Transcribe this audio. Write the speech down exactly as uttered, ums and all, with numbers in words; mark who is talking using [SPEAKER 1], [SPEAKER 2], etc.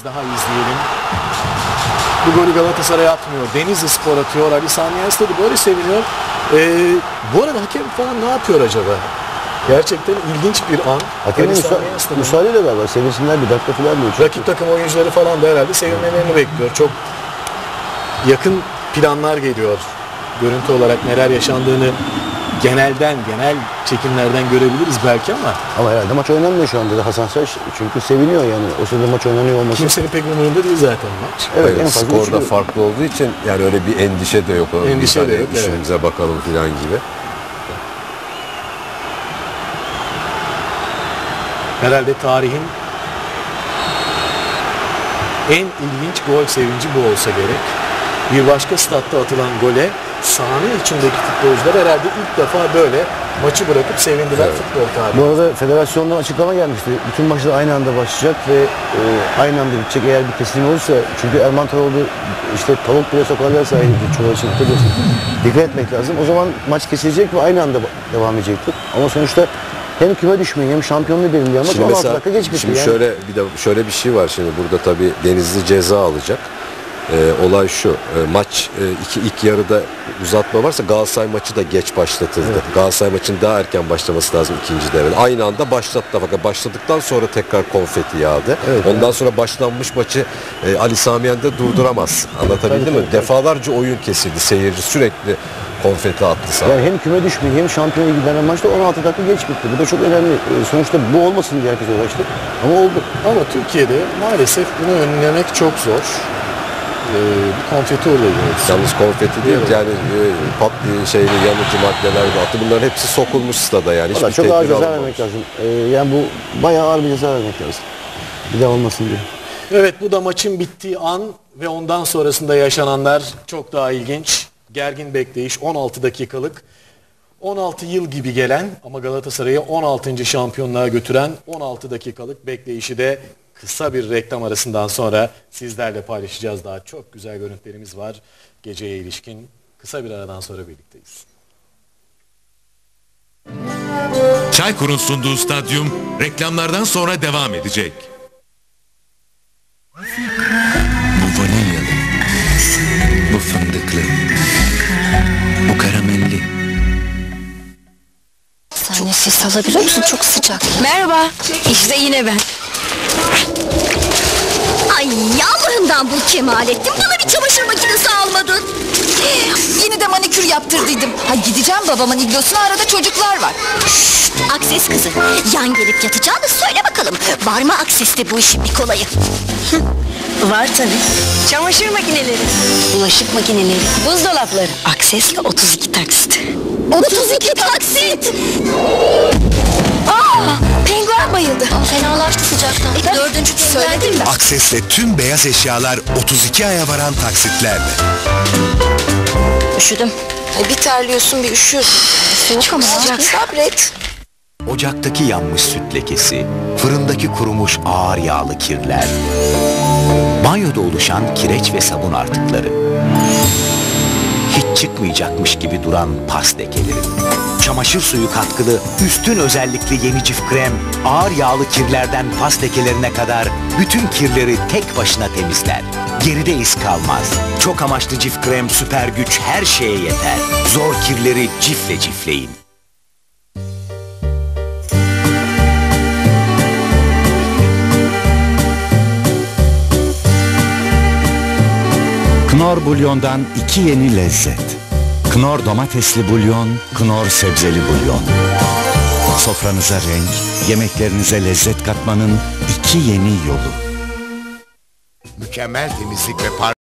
[SPEAKER 1] kez daha izleyelim. Bu golü Galatasaray atmıyor. Denizlispor atıyor. Ali Sami Yen Stadı böyle seviniyor. Ee, bu arada hakem falan ne yapıyor acaba? Gerçekten ilginç bir an.
[SPEAKER 2] Hakemin müsa müsaadeyle galiba. Sevinsinler bir dakika falan diyor.
[SPEAKER 1] Rakip takım oyuncuları falan da herhalde sevinmelerini bekliyor. Çok yakın planlar geliyor. Görüntü olarak neler yaşandığını genelden, genel çekimlerden görebiliriz belki ama.
[SPEAKER 2] Ama herhalde maç oynanmıyor şu anda da Hasan Saç. Çünkü seviniyor yani. O sırada maç oynanıyor olması.
[SPEAKER 1] Kimsenin pek umurunda değil zaten maç.
[SPEAKER 3] Evet, evet, en fazla skorda farklı olduğu için yani öyle bir endişe de yok.
[SPEAKER 1] Endişe de yok.
[SPEAKER 3] İşimize evet. bakalım filan gibi.
[SPEAKER 1] Herhalde tarihin en ilginç gol sevinci bu olsa gerek. Bir başka statta atılan gole sahanın içindeki futbolcular herhalde ilk defa böyle maçı bırakıp sevindiler evet. futbol tarihi.
[SPEAKER 2] Bu arada federasyondan açıklama gelmişti. Bütün maçlar aynı anda başlayacak ve e, aynı anda bitecek eğer bir kesim olursa. Çünkü Erman Toroğlu işte tavuk bile sokarlarsa aynı çoğu için dikkat etmek lazım. O zaman maç kesilecek ve aynı anda devam edecektir. Ama sonuçta hem küme düşmeyin hem şampiyonluğu belirliyor ama on altı dakika geç bitti.
[SPEAKER 3] Şimdi
[SPEAKER 2] yani.
[SPEAKER 3] şöyle bir de şöyle bir şey var şimdi burada tabii Denizli ceza alacak. Ee, olay şu, e, maç e, iki ilk yarıda uzatma varsa Galatasaray maçı da geç başlatıldı. Evet. Galatasaray maçının daha erken başlaması lazım ikinci devrede. Aynı anda başlattılar fakat başladıktan sonra tekrar konfeti yağdı. Evet, Ondan evet. sonra başlanmış maçı e, Ali Sami Yen de durduramaz. Anlatabildim mi? Tabii, Defalarca oyun kesildi. Seyirci sürekli konfeti attı sana.
[SPEAKER 2] Yani hem küme düşmeyi hem şampiyona giden maçta on altı dakika geç bitti. Bu da çok önemli. E, sonuçta bu olmasın diye herkes uğraştı. Ama oldu.
[SPEAKER 1] Ama Türkiye'de maalesef bunu önlemek çok zor. Bir konfeti olayı.
[SPEAKER 3] Yalnız konfeti değil, yani e, pat şeyli yanıcı maddeler de attı. Bunların hepsi sokulmuş stada yani.
[SPEAKER 2] Valla çok ağır ceza vermek lazım. Ee, yani bu bayağı ağır bir ceza vermek lazım. Bir daha olmasın diye.
[SPEAKER 1] Evet, bu da maçın bittiği an ve ondan sonrasında yaşananlar çok daha ilginç. Gergin bekleyiş on altı dakikalık. on altı yıl gibi gelen ama Galatasaray'ı on altıncı şampiyonluğa götüren on altı dakikalık bekleyişi de kısa bir reklam arasından sonra sizlerle paylaşacağız. Daha çok güzel görüntülerimiz var geceye ilişkin. Kısa bir aradan sonra birlikteyiz.
[SPEAKER 4] Çaykur'un sunduğu stadyum reklamlardan sonra devam edecek.
[SPEAKER 5] Bu vanilyalı, bu fındıklı, bu karamelli.
[SPEAKER 6] Sen ses alabiliyor musun? Çok sıcak.
[SPEAKER 7] Merhaba, işte yine ben.
[SPEAKER 6] Ay Allah'ından bul Kemalettin. Bana bir çamaşır makinesi almadın.
[SPEAKER 7] Yine de manikür yaptırdıydım. Ha gideceğim babamın iglosuna, arada çocuklar var.
[SPEAKER 6] Şşt, Akses kızı. Yan gelip yatacağını söyle bakalım. Var mı Akses'te bu işin bir kolayı?
[SPEAKER 7] Var tabii. Çamaşır makineleri,
[SPEAKER 6] Bulaşık makineleri,
[SPEAKER 7] buzdolapları.
[SPEAKER 6] Akses'le otuz iki taksit. otuz iki taksit!
[SPEAKER 7] Aa, penguen bayıldı.
[SPEAKER 6] Aa, fenalaştı sıcaktan. E, dördüncü
[SPEAKER 7] Söyledim ben.
[SPEAKER 8] Akses'te tüm beyaz eşyalar otuz iki aya varan taksitlerle.
[SPEAKER 6] Üşüdüm.
[SPEAKER 7] E, bir terliyorsun bir üşüyorsun.
[SPEAKER 6] Soğuk ama
[SPEAKER 7] sıcak, sabret.
[SPEAKER 5] Ocaktaki yanmış süt lekesi, fırındaki kurumuş ağır yağlı kirler, banyoda oluşan kireç ve sabun artıkları, hiç çıkmayacakmış gibi duran pas lekeleri, çamaşır suyu katkılı, üstün özellikli yeni cif krem, ağır yağlı kirlerden pas lekelerine kadar bütün kirleri tek başına temizler. Geride iz kalmaz. Çok amaçlı cif krem süper güç her şeye yeter. Zor kirleri cifle cifleyin.
[SPEAKER 9] Knorr bulyondan iki yeni lezzet. Knorr domatesli bulyon, Knorr sebzeli bulyon. Sofranıza renk, yemeklerinize lezzet katmanın iki yeni yolu.
[SPEAKER 8] Mükemmel temizlik ve parfüm.